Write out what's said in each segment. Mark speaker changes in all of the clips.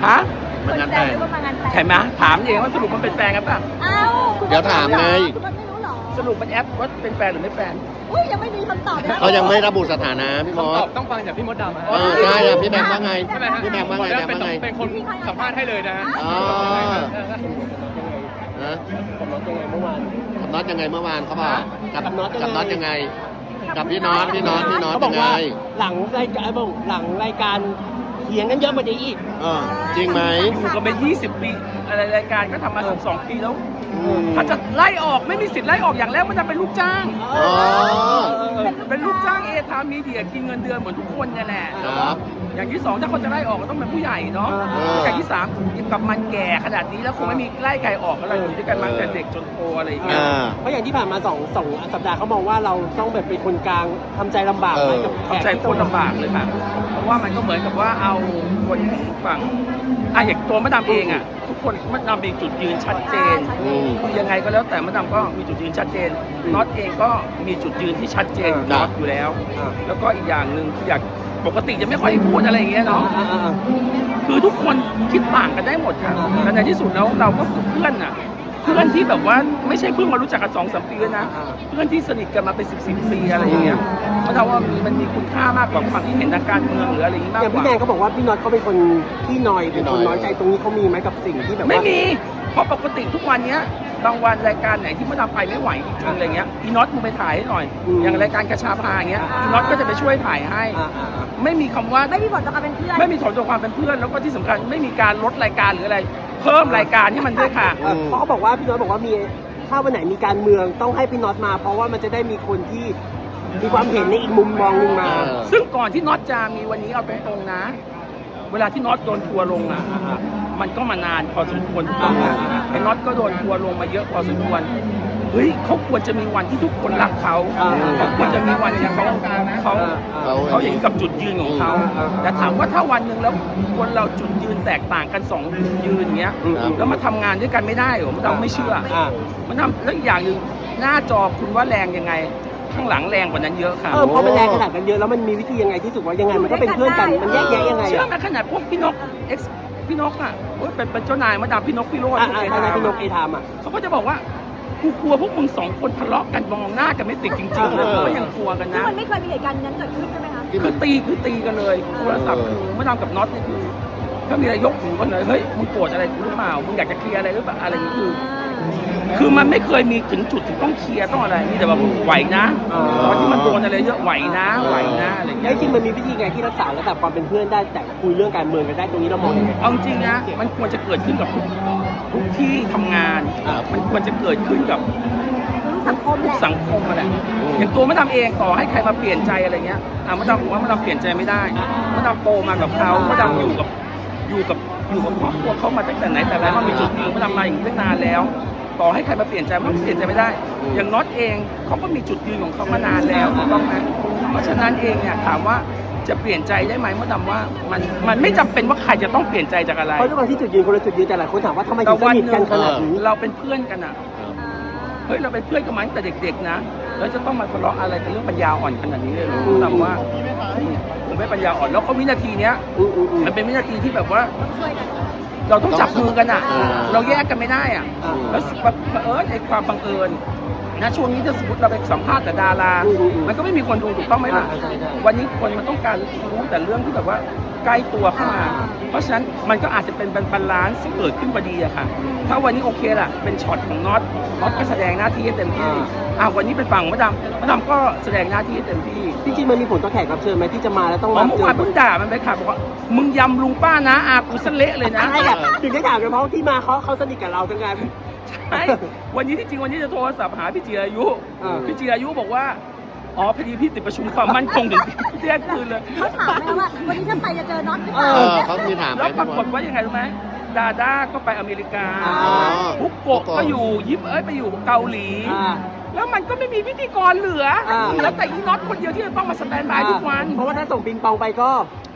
Speaker 1: ฮะ
Speaker 2: คนแซวหรือว่ามางานแต่ง
Speaker 1: ใช่ไหมถามเองว่าสรุปมันเป็นแฟนกันป่ะ
Speaker 2: เอ้า
Speaker 3: เดี๋ยวถามไง
Speaker 2: คุณไม่รู้หรอ
Speaker 1: สรุปมันแอปว่าเป็นแฟนหรือไม่แฟน
Speaker 2: อุ้ยยังไม่มีคำตอบนะ
Speaker 3: เขายังไม่ระบุสถานะพี่มอ
Speaker 4: ตอ
Speaker 3: ส
Speaker 4: บต้องฟังจากพี่มดดำ
Speaker 3: ใช่อะพี่แบมว่าไง
Speaker 4: ใช่ไหมฮะ
Speaker 3: พี่แบมว่าไงแบมว่าไง
Speaker 4: เป็นคนสัมภาษณ์ให้เลยนะฮะ
Speaker 3: อ๋อ นะ
Speaker 5: กับน็อตยังไงเมื่อวาน
Speaker 3: กับน็อตยังไงเมื่อวานเขาบอกกับ
Speaker 5: กับน็อตยังไง
Speaker 3: กับน็อตยังไง กับพี่น็อต
Speaker 5: เขาบอ
Speaker 3: ยั
Speaker 5: ก
Speaker 3: งไง
Speaker 5: ว่าหลังรายการเถียงกันเยอะกว่านี้อีก
Speaker 3: จริงไหม
Speaker 1: อยู่กันเป็น20 ปีอะไรรายการก็ทำมา12 ปีแล้ว
Speaker 3: อืม
Speaker 1: ถ้าจะไล่ออกไม่มีสิทธิ์ไล่ออกอย่างแรกมันจะเป็นลูกจ้าง
Speaker 3: อ๋อ
Speaker 1: เป็นลูกจ้างเอทามีเดียกินเงินเดือนเหมือนทุกคนเนี่ยแหละ
Speaker 3: ครับ
Speaker 1: อย่างที่สองถ้าคนจะไล่ออกก็ต้องเป็นผู้ใหญ่เนาะ อย่างที่สามกับมันแก่ขนาดนี้แล้วคงไม่มีไล่ใครออกอะไรอยู่ด้วยกันมาตั้งแต่เด็กจนโตอะไรอย่างเงี้ย
Speaker 5: เพราะอย่างที่ผ่านมาสองสัปดาห์เขามองว่าเราต้องแบบเป็นคนกลางทำใจลำบากไหมกับแข
Speaker 1: เข้ากใจโคตรลำบากเลยค่ะ เพราะว่ามันก็เหมือนกับว่าเอาคนฝั่งอย่างตัวมะดำเองทุกคนมะดำมีจุดยืนชัดเจน
Speaker 3: อืม
Speaker 1: คือยังไงก็แล้วแต่มะดำก็มีจุดยืนชัดเจนน็อตเองก็มีจุดยืนที่ชัดเจนของน็อตอยู่แล้ว แล้วก็อีกอย่างหนึ่งคืออยากปกติจะไม่ค่อยพูดอะไรอย่างเงี้ยเนาะ คือทุกคนคิดต่างกันได้หมดค่ะแต่ในที่สุดแล้วเราก็คือเพื่อนเพื่อนที่แบบว่าไม่ใช่เพิ่งมารู้จักกัน2-3 ปีนะ เพื่อนที่สนิทกันมาเป็น10 ปีอะไรอย่างเงี้ยมันทำว่ามันมีคุณค่ามากกว่าความคิดเห็นทางการเมืองหรืออะไรอย่างงี้มาก
Speaker 5: อย่าง
Speaker 1: ก
Speaker 5: พี่
Speaker 1: ว่า
Speaker 5: แดงเขาบอกว่าพี่น็อตเขาเป็นคนที่นอยเป็นคนน้อยใจตรงนี้เขามีไหมกับสิ่งที่แบบว่า
Speaker 1: ไม่มี เพราะปกติทุกวันเนี้ยบางวันรายการไหนที่มันทำไปไม่ไหวจริงๆอะไรเงี้ยอีน็อตมึงไปถ่ายให้หน่อย อย่างรายการกระชาพาอย่างเงี้ยอีน็อตก็จะไปช่วยถ่ายให้ ไม่มีคำว่า
Speaker 2: ไม่มีผลต่อการเป็นเพื่อน
Speaker 1: ไม่มีผลต่อความเป็นเพื่อนแล้วก็ที่สำคัญไม่มีการลดรายการหรืออะไร เพิ่มรายการให้มันด้วยค่ะ
Speaker 5: เพราะเขาบอกว่าพี่น็อตบอกว่ามีถ้าวันไหนมีการเมืองต้องให้พี่น็อตมา เพราะว่ามันจะได้มีคนที่มีความเห็นในอีกมุมมองหนึงมา
Speaker 1: ซึ่งก่อนที่น็อตจะมีวันนี้เอาไปตรงนะ เวลาที่น็อตโดนทัวร์ลงมันก็มานานพอสมควรถูกต้องไอ้น็อตก็โดนทัวร์ลงมาเยอะพอสมควรเฮ้ยเขาควรจะมีวันที่ทุกคนรักเขาเขาควรจะมีวันที่เขาเห็นกับจุดยืนของเขาแต่ถามว่าถ้าวันหนึ่งแล้วคนเราจุดยืนแตกต่างกัน2จุดยืนเงี้ยแล้วมาทำงานด้วยกันไม่ได้เหรอมันเราไม่เชื่อมันทำแล้วอีกอย่างหนึ่งหน้าจอคุณว่าแรงยังไงข้างหลังแรงกว่านั้นเยอะค่ะ
Speaker 5: พอมันแรงขนาดนั้นเยอะแล้วมันมีวิธียังไงที่สุดว่ายังไงมันก็เป็นเพื่อนกันมันแยกแยะยังไง
Speaker 1: เชื่อไหมขนาดพวกพี่นกพี่นกเป็นเจ้านายมาดามพี่นกพี่โรจน์
Speaker 5: ทนายพี่นกเอทาม
Speaker 1: เขาก็จะบอกว่ากูกลัวพวกมึง2 คนทะเลาะกันมองหน้ากันไม่ติดจริงๆเลยก็ยังกลัวกัน
Speaker 2: ซึ่ง
Speaker 1: นะ
Speaker 2: มันไม่เคยมีเหตุการณ์นั้นเกิดขึ้นใช่ไหมคะ
Speaker 1: คือตีกันเลยโทรศัพท์คือมาดามกับน็อตนี่คือถ้ามีอะไรยกหูกันเลยเฮ้ยมึงโกรธอะไรกูหรือเปล่ามึงอยากจะเคลียร์อะไรหรือเปล่าอะไรอย่างนี้คือมันไม่เคยมีถึงจุดที่ต้องเคลียร์ต้องอะไรมีแต่ว่าไหวนะตอนที่มันโดนอะไรเยอะไหวนะอะไรอย่าง
Speaker 5: แล้
Speaker 1: เงี้
Speaker 5: วย จริงมันมีวิธีไงที่รักษาระดับความเป็นเพื่อนได้แต่คุยเรื่องการเมืองกันได้ตรงนี้เรามองยังไง
Speaker 1: เอาจริงนะมันควรจะเกิดขึ้นกับทุกที่ทำงานมันควรจะเกิดขึ้นกับ
Speaker 2: สังคมแหละ
Speaker 1: สังคมอะไรอย่างตัวมะดำเองต่อให้ใครมาเปลี่ยนใจอะไรเงี้ยมะดำผมว่ามะดำเปลี่ยนใจไม่ได้มะดำโตมากับเขามะดำอยู่กับครอบครัวเขามาตั้งแต่ไหนแต่ไรมันมีจุดยืนมะดำมาอย่างนี้ตั้งนานแล้ว ต่อให้ใครมาเปลี่ยนใจมันเปลี่ยนใจไม่ได้ อย่างน็อตเองเขาก็มีจุดยืนของเขามานานแล้วถูกต้องไหมเพราะฉะนั้นเองเนี่ยถามว่าจะเปลี่ยนใจได้ไหมมะดำว่ามันไม่จำเป็นว่าใครจะต้องเปลี่ยนใจจากอะไร
Speaker 5: เพราะด้วยความที่จุดยืนคนละจุดยืนแต่หลายคนถามว่าทำไมถึงสนิทกันขนาดนี้
Speaker 1: เราเป็นเพื่อนกันเฮ้ยเราเป็นเพื่อนกันมาตั้งแต่เด็กๆนะแล้วจะต้องมาทะเลาะอะไรกันเรื่องปัญญาอ่อนขนาดนี้เลยเหรอผมว่าผมไม่ปัญญาอ่อนแล้วก็วินาทีเนี้ยมันเป็นวินาทีที่แบบว่าเราต้องจับมือกันเราแยกกันไม่ได้แล้วไอ้ความบังเอิญนะช่วงนี้ถ้าสมมติเราไปสัมภาษณ์แต่ดารามันก็ไม่มีคนดูถูกต้องไหมล่ะวันนี้คนมันต้องการรู้แต่เรื่องที่แบบว่าใกล้ตัวเข้ามาเพราะฉะนั้นมันก็อาจจะเป็นบาลานซ์ที่เกิดขึ้นพอดีอะค่ะถ้าวันนี้โอเคล่ะเป็นช็อตของน็อตก็แสดงหน้าที่ให้เต็มที่วันนี้เป็นฝั่งมะดำก็แสดงหน้าที่ให้เต็มที่
Speaker 5: จริงๆมันมีผลต่อแขกรับเชิญไหมที่จะมาแล้วต้องมา
Speaker 1: เมื่อวานเพิ่งด่ามันไปค่ะบอกว่ามึงยำลุงป้านะกูสะเละเลยนะ
Speaker 5: ใช่อะถึงได้ถามกันเพราะที่มาเขาสนิทกับเราทั้งงาน
Speaker 1: ใช่วันนี้ที่จริงวันนี้จะโทรศัพท์หาพี่จิรายุพี่จิรายุบอกว่าพอดีพี่ติดประชุมความมั่นคงถึงเที่ยงคืนเลย
Speaker 2: เขาถามไหมว่าวันนี้ถ้าไปจะเจอน็อตหรือเปล่า
Speaker 3: เขามีถามไหม
Speaker 1: แล้วปรากฏว่ายังไงรู้ไหมดาด้าก็ไปอเมริกาบุกโกะก็อยู่ไปอยู่เกาหลีแล้วมันก็ไม่มีพิธีกรเหลือแล้วแต่อีน็อตคนเดียวที่จะต้องมาสแตนบายทุกวัน
Speaker 5: เพราะว่าถ้าส่งปิงปองไปก็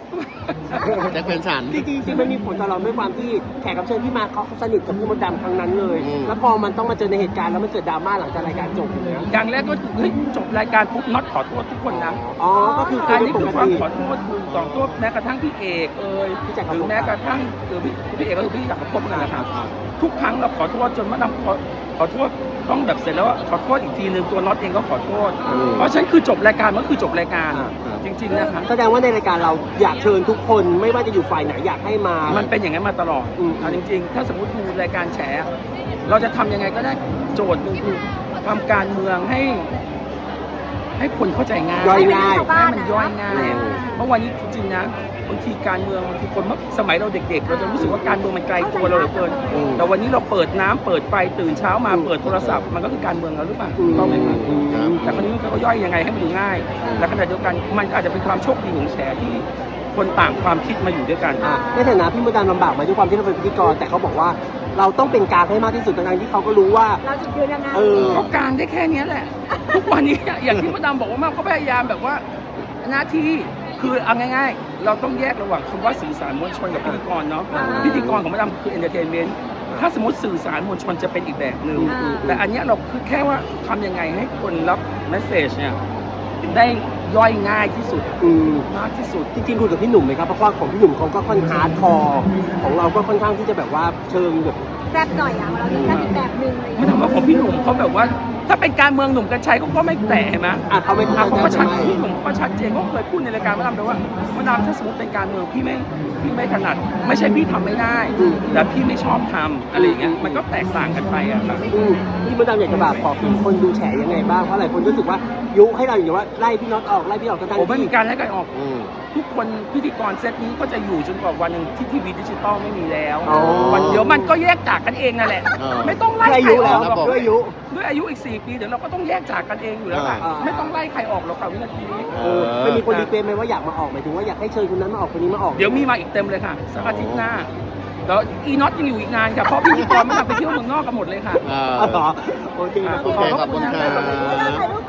Speaker 3: แจ็คเป็นสัน
Speaker 5: จริงๆมันมีผลต่อเราด้วยความที่แขกรับเชิญที่มาเขาสนิทกับพี่มดดำครั้งนั้นเลย
Speaker 3: อืม
Speaker 5: แล้วพอมันต้องมาเจอในเหตุการณ์แล้วมันเกิดดราม่าหลังจากรายการจบอย่างเงี้ย
Speaker 1: อย่างแรกก็คือเฮ้ยจบรายการปุ๊บน็อตขอโทษทุกคนนะ
Speaker 5: อ๋อก็คือ
Speaker 1: อัน
Speaker 5: เป็
Speaker 1: นี้
Speaker 5: ป
Speaker 1: คื
Speaker 5: ก
Speaker 1: อความ
Speaker 5: ติ
Speaker 1: ขอโทษคือขอโทษแม้กระทั่งพี่เอก
Speaker 5: พี่จักรภพ
Speaker 1: หรือแม้กระทั่งพี่เอกก็คือพี่จักรภพนั่นแหละครับทุกครั้งเราขอโทษจนมะดำขอโทษต้องแบบเสร็จแล้วว่าขอโทษอีกทีนึงตัวน็อตเองก็ขอโทษ เพราะฉะนั้นคือจบรายการมันคือจบรายการจริงๆนะครับ
Speaker 5: แสดงว่าในรายการเราอยากเชิญทุกคนไม่ว่าจะอยู่ฝ่ายไหนอยากให้มา
Speaker 1: มันเป็นอย่างนั้นมาตลอด เอาจริงๆ ถ้าสมมติดูรายการแฉ เราจะทำยังไงก็ได้โจทย์หนึ่งคือทำการเมืองให้คนเข้าใจง่าย
Speaker 5: ย่อยง่าย
Speaker 1: ให้มันย่อยง่าย
Speaker 5: อืม
Speaker 1: เพราะวันนี้จริงๆนะบางทีการเมืองบางทีคนเมื่อสมัยเราเด็กๆ เราจะรู้สึกว่าการเมืองมันไกลตัวเราเหลือเกิน แต่วันนี้เราเปิดน้ำเปิดไฟตื่นเช้ามาเปิดโทรศัพท์มันก็คือการเมืองแล้วหรือเปล่าถูกต้องไหมครับ แต่คราวนี้มันก็ย่อยยังไงให้มันดูง่าย และขณะเดียวกันมันอาจจะเป็นความโชคดีของแฉที่คนต่างความคิดมาอยู่ด้วยกัน
Speaker 5: ในฐานะพี่มดดำลำบากมาด้วยความที่เราเป็นพิธีกรแต่เขาบอกว่าเราต้องเป็นกลางให้มากที่สุดทั้งๆที่เขาก็รู้ว่า
Speaker 2: เราจะยืนยังไง
Speaker 1: เขากลางได้แค่เนี้ยแหละ ทุกวันนี้อย่างที่มดดำบอกว่ามันก็พยายามแบบว่าหน้าที่คือเอาง่ายๆ เราต้องแยกระหว่างคำว่าสื่อสารมวลชนกับพิธีกรเนาะพิธีกรของมดดำคือเอนเตอร์เทนเมนต์ถ้าสมมติสื่อสารมวลชนจะเป็นอีกแบบหนึ่งแต่อันเนี้ยเราคือแค่ว่าทำยังไงให้คนรับเมสเซจเนี่ยได้ย่อยง่ายที่สุดมากที่สุด
Speaker 5: จริงๆคุยกับพี่หนุ่มไหมครับเพราะว่าของพี่หนุ่มเขาก็ค่อนข้างฮาร์ดคอร์ของเราก็ค่อนข้างที่จะแบบว่าเชิงแบบ
Speaker 2: แซ่บหน่อยอ่ะเราจะแซ่บอีกแบบหนึ่งอะไรอย่าง
Speaker 1: ไม่
Speaker 2: เงี้ย
Speaker 1: ทำว่าของพี่หนุ่มเขาแบบว่า ถ้าเป็นการเมืองหนุ่มกัญชัยเขาก็ไม่แตะเห็นไหม
Speaker 5: เขาไม่
Speaker 1: เขาก็ชัด
Speaker 5: ไม่
Speaker 1: พี่หนุ่มเขาก็ชัดเจนเขาเคยพูดในรายการมาดามเลยว่ามดามถ้าสมมติเป็นการเมืองพี่ไม่ถนัดไม่ใช่พี่ทำไม่ได้แต่พี่ไม่ชอบทำอะไรอย่างเงี้ยมันก็แตกต่างกันไปอะครับ
Speaker 5: พี่มดดำอยากจะบอกถึงคนดูแฉยังไงบ้างเพราะหลายคนรู้สึกว่ายุให้เราอย่างว่าไล่พี่น็อตออกไล่พี่ออกทั้ง
Speaker 1: ผมไม่
Speaker 5: ที่
Speaker 1: มีการไล่กันออก
Speaker 3: อืม
Speaker 1: ทุกคนพิธีกรเซตนี้ก็จะอยู่จนกว่าวันหนึ่งที่ทีวีดิจิตอลไม่มีแล้ว
Speaker 5: อ๋อ
Speaker 1: วันเดี๋ยวมันก็แยกจากกันเองนั่นแหละ ไม่ต้องไล่
Speaker 5: ด้วยอา
Speaker 1: ใคร
Speaker 5: ยุ
Speaker 1: อ
Speaker 5: แล้
Speaker 1: อ
Speaker 5: ว
Speaker 1: กหรอก
Speaker 5: ด้วยอายุ
Speaker 1: ด้วยอายุอีก4 ปีเดี๋ยวเราก็ต้องแยกจากกันเองอยู่แล้วค่ะ
Speaker 5: อ่า
Speaker 1: ไม่ต้องไล่ใครออกหรอกค่ะวินาทีนี้
Speaker 5: ไม่มีคนรีเควสต์ไหมว่าอยากมาออกหมายถึงว่าอยากให้เชิญคนนั้นมาออกคนนี้มาออก
Speaker 1: เดี๋ยวมีมาอีกเต็มเลยค่ะสักอาทิตย์หน้าแล้วอีน็อตยังอยู่อีกนานค่ะเพราะพิธีกรไม่ทำไปเที่ยวเมืองนอกกันหมดเลยค่ะ
Speaker 3: เออ
Speaker 5: อ๋อเหรอโอเค
Speaker 3: โอเคขอบคุณครับ
Speaker 2: ถ่ายรูป